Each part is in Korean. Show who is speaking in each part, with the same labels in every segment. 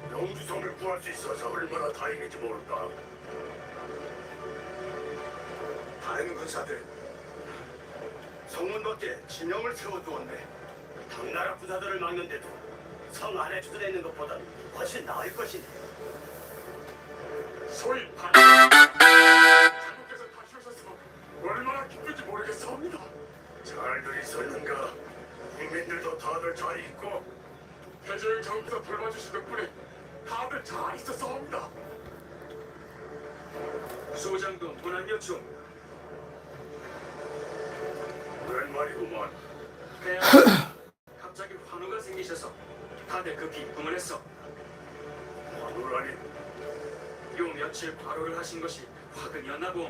Speaker 1: 영주성을 구할 수 있어서 얼마나 다행인지 모른다. 다른 군사들 성문 밖에 진영을 세워두었네. 당나라 부사들을 막는데도 성 안에 주둔해 있는 것보다는 훨씬 나을 것이네. 소위 장국께서 다시 오셨으면 얼마나 기쁜지 모르겠사옵니다. 잘들 있었는가? 국민들도 다들 잘 있고 태조영 장국께서 돌봐주신 덕분에 다들 잘 있었사옵니다. 소장도 문안여 중. 그런 말이구만. 갑자기 환호가 생기셔서 다들 급히 입궁을 했어. 환호라니? 요 며칠 과로를 하신 것이 화근이었나 봄.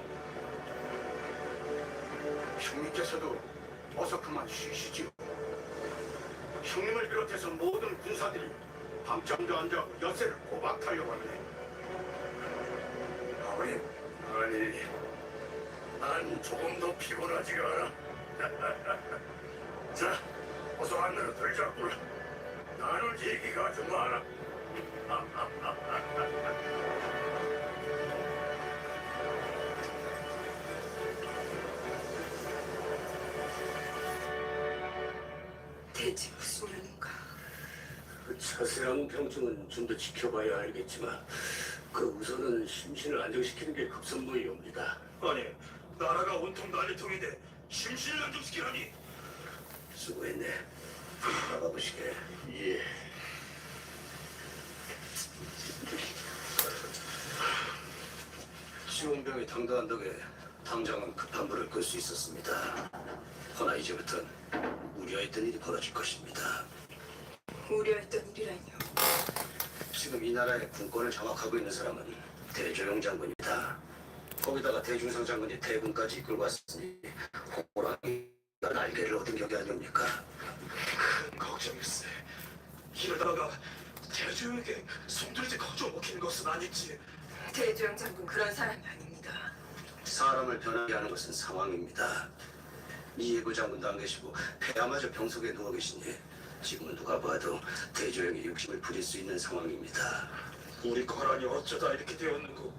Speaker 1: 형님께서도 어서 그만 쉬시지요. 형님을 비롯해서 모든 군사들이 밤잠도 안 자고 여세를 꼬박 달려왔네. 아버님, 아니, 난 조금 더 피곤하지가 않아. 자, 어서 안으로 들자꾸나. 나눌 얘기가 좀 많아.
Speaker 2: 대체 무슨 일인가?
Speaker 1: 그 자세한 병증은 좀 더 지켜봐야 알겠지만 그 우선은 심신을 안정시키는 게 급선무이옵니다. 아니, 나라가 온통 난리통인데 심신을 안정시키라니? 수고했네. 나가보시게. 예. 시온병이 당도한 덕에 당장은 급한 불을 끌 수 있었습니다. 허나 이제부턴 우려했던 일이 벌어질 것입니다.
Speaker 2: 우려했던 일이라니요.
Speaker 1: 지금 이 나라의 군권을 장악하고 있는 사람은 대조영 장군이다. 거기다가 대중성 장군이 대군까지 이끌고 왔으니 호랑이가 날개를 얻은 격이 아닙니까? 큰 걱정일세. 이러다가 대조영에게 손들지 거저 먹히는 것은 아니지.
Speaker 2: 대조영 장군 그런 사람이 아닙니다.
Speaker 1: 사람을 변하게 하는 것은 상황입니다. 이예부 장군도 안 계시고 폐하마저 병석에 누워 계시니 지금은 누가 봐도 대조영의 욕심을 부릴 수 있는 상황입니다. 우리 거란이 어쩌다 이렇게 되었는고.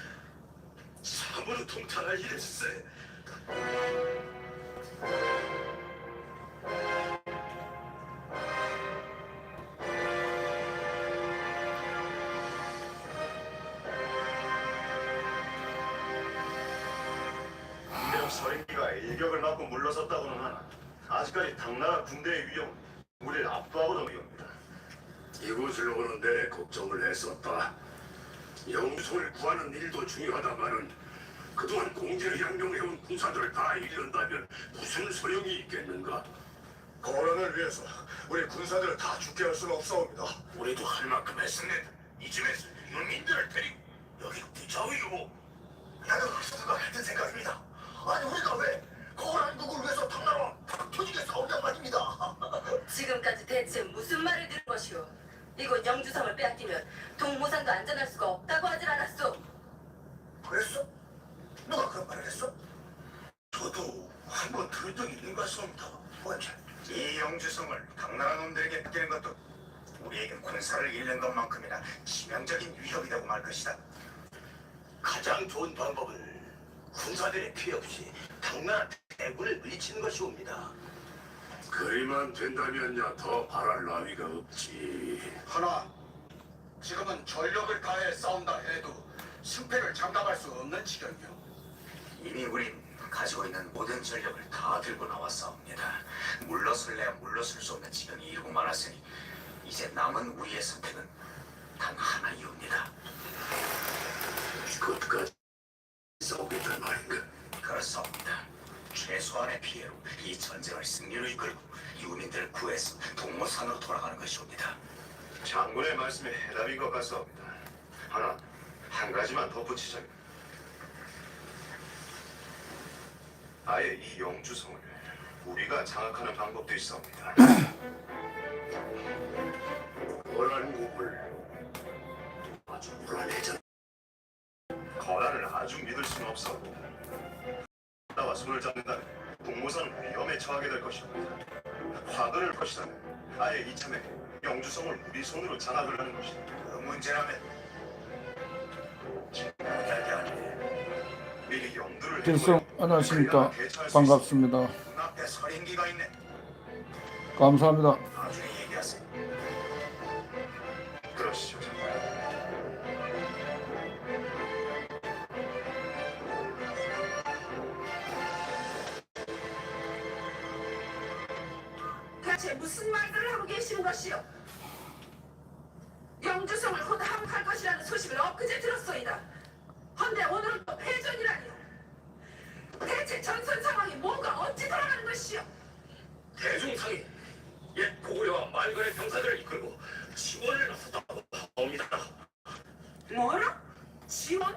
Speaker 1: 참으로 통탄할 일일세.
Speaker 3: 비록 서인기가 일격을 맞고 물러섰다고는 하나 아직까지 당나라 군대의 위협은 우리를 압도하고도 위협니다.
Speaker 1: 이곳을 오는데 걱정을 했었다. 영주성을 구하는 일도 중요하다마는 그동안 공제를 양용해온 군사들을 다 잃는다면 무슨 소용이 있겠는가?
Speaker 3: 거란을 위해서 우리 군사들을 다 죽게 할 수는 없사옵니다.
Speaker 1: 우리도 할 만큼 했었네. 이쯤에서 유민들을 데리고 여기로 뒤져요.
Speaker 3: 나도 수두가 같은 생각입니다. 아니 우리가 왜 거란 국을 위해서 당나라와 터지게 싸우냔 말입니다.
Speaker 2: 지금까지 대체 무슨 말을 들은 것이오? 이곳 영주성을 빼앗기면 동모산도 안전할 수가 없다고 하질 않았소?
Speaker 3: 그랬어? 누가 그런 말을 했어? 저도 한번 들은 적이 있는 것 같습니다. 언제? 이 영주성을 당나라 놈들에게 맡기는 것도 우리에게 군사를 잃는 것만큼이나 치명적인 위협이라고 말 것이다.
Speaker 1: 가장 좋은 방법은 군사들의 피해 없이 당나라 대군을 물리치는 것이옵니다. 그리만 된다면야 더 바랄 나위가 없지.
Speaker 3: 하나, 지금은 전력을 다해 싸운다 해도 승패를 장담할 수 없는 지경이요. 이미 우린 가지고 있는 모든 전력을 다 들고 나왔사옵니다. 물러설래야 물러설 수 없는 지경이 이르고 말았으니 이제 남은 우리의 선택은 단 하나이옵니다.
Speaker 1: 끝까지 싸우겠단 말인가?
Speaker 3: 그렇사옵니다. 최소한의 피해로 이 전쟁을 승리로 이끌고 유민들을 구해서 동모산으로 돌아가는 것이옵니다. 장군의 말씀에 해답인 것 같사옵니다. 하나, 한 가지만 덧붙이자면 아예 이 영주성을 우리가 장악하는 방법도 있사옵니다.
Speaker 1: 거란국을 아주 불안해져.
Speaker 3: 거란을 아주 믿을 수는 없사옵니다. 나와 손을 잡는다면 동모산은 위험에 처하게 될 것입니다. 화근을 것이라면 아예 이참에 영주성을 우리 손으로 장악을 하는 것입니다. 문제라면 이야기 아니네. 미리 용두를
Speaker 4: 필성 안녕하십니까. 반갑습니다.
Speaker 3: 눈앞에 서린기가 있네.
Speaker 4: 감사합니다.
Speaker 3: 나중에 얘기하세요. 그러시죠.
Speaker 2: 대체 무슨 말들을 하고 계시는 것이오? 영주성을 곧 함할 것이라는 소식을 엊그제 들었소이다. 헌데 오늘은 또 패전이라니요. 대체 전선 상황이 뭐가 어찌 돌아가는 것이오?
Speaker 1: 대중상이 옛 고구려와 말간의 병사들을 이끌고 지원을 나섰다고 합니다.
Speaker 2: 뭐라? 지원?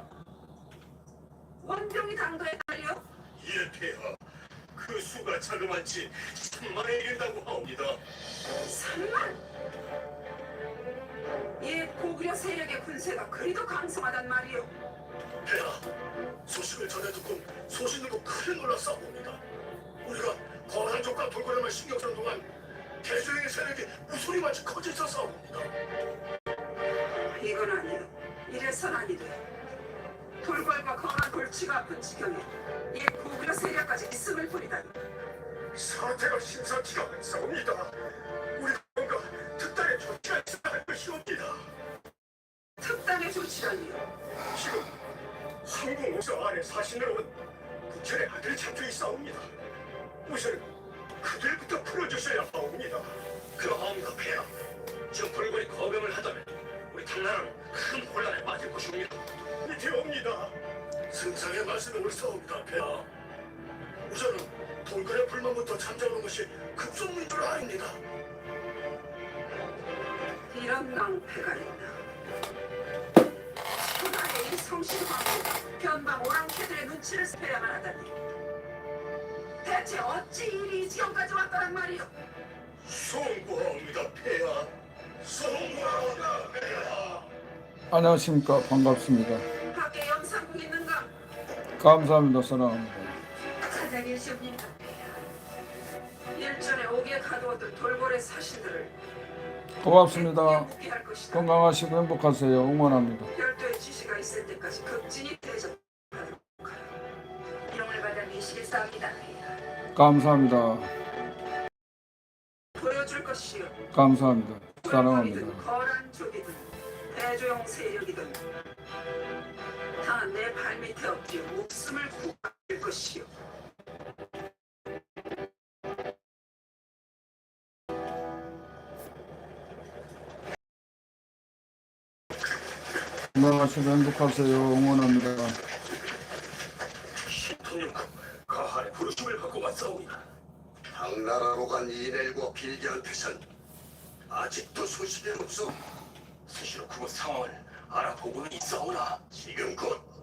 Speaker 2: 원병이 당도에 달려?
Speaker 1: 예, 폐하. 그 수가 자그마치 3만에 이른다고 하옵니다.
Speaker 2: 3만? 옛 고구려 세력의 군세가 그리도 강성하단 말이오.
Speaker 1: 폐하, 소식을 전해 듣고 소신으로 크게 놀랐사옵니다. 우리가 거란족과 돌고래만 신경 쓰는 동안 대조영의 세력이 우소리마치 커져 있었사옵니다.
Speaker 2: 이건 아니오. 이래선 아니 돼. 돌궐과 거란 골치가 아픈 지경에 옛 고구려 세력까지 있음을 부리다니.
Speaker 1: 사태가 심상치가 않사옵니다. 우리가 뭔가 특단의 조치가 있어야 할 것이옵니다.
Speaker 2: 특단의 조치라니요.
Speaker 1: 지금 한국 옥사 안에 사신으로 온 부천의 아들이 잡혀 있사옵니다. 우선 그들부터 풀어주셔야 하옵니다. 그러하옵니다, 폐하. 지금 불굴이 거병을 하다면 우리 당나라는 큰 혼란에 빠질 것입니다. 되옵니다. 승상의 말씀에 옳사옵니다, 폐하. 우선은 돌고래 불만부터 잠자는 것이 급선무인 줄 아닙니다.
Speaker 2: 이런 낭패가 있나. 천하의 이 성실광부 변방 오랑캐들의 눈치를 살펴야만 하다니. 대체 어찌 일이 이 지경까지 왔더란 말이오.
Speaker 1: 송구하옵니다, 폐하. 송구하옵니다, 폐하.
Speaker 4: 안녕하십니까. 반갑습니다.
Speaker 2: 밖에 영상국 있는가?
Speaker 4: 감사합니다. 사랑합니다.
Speaker 2: 찾아 계시옵니까? 일전에 오기에 가두었던 돌고래 사신들을
Speaker 4: 고맙습니다.
Speaker 2: 복귀할 것이다.
Speaker 4: 건강하시고 행복하세요. 응원합니다.
Speaker 2: 별도의 지시가 있을 때까지 극진히 대접하도록 하라. 이름을 받아 미시겠사옵니다.
Speaker 4: 감사합니다.
Speaker 2: 보여줄 것이요.
Speaker 4: 감사합니다. 사랑합니다.
Speaker 2: 거란족이든 대조영 세력이든 다 내 발밑에 엎드려 목숨을 구할 것이요.
Speaker 4: 건강하시고 행복하세요. 응원합니다.
Speaker 1: 신통님과 가한의 부르심을 받고 왔사옵니다.
Speaker 3: 당나라로 간 이넬과 빌기한테선 아직도 소식이 없어.
Speaker 1: 스시로 그곳 상황을 알아보고는 있사오나 지금 곧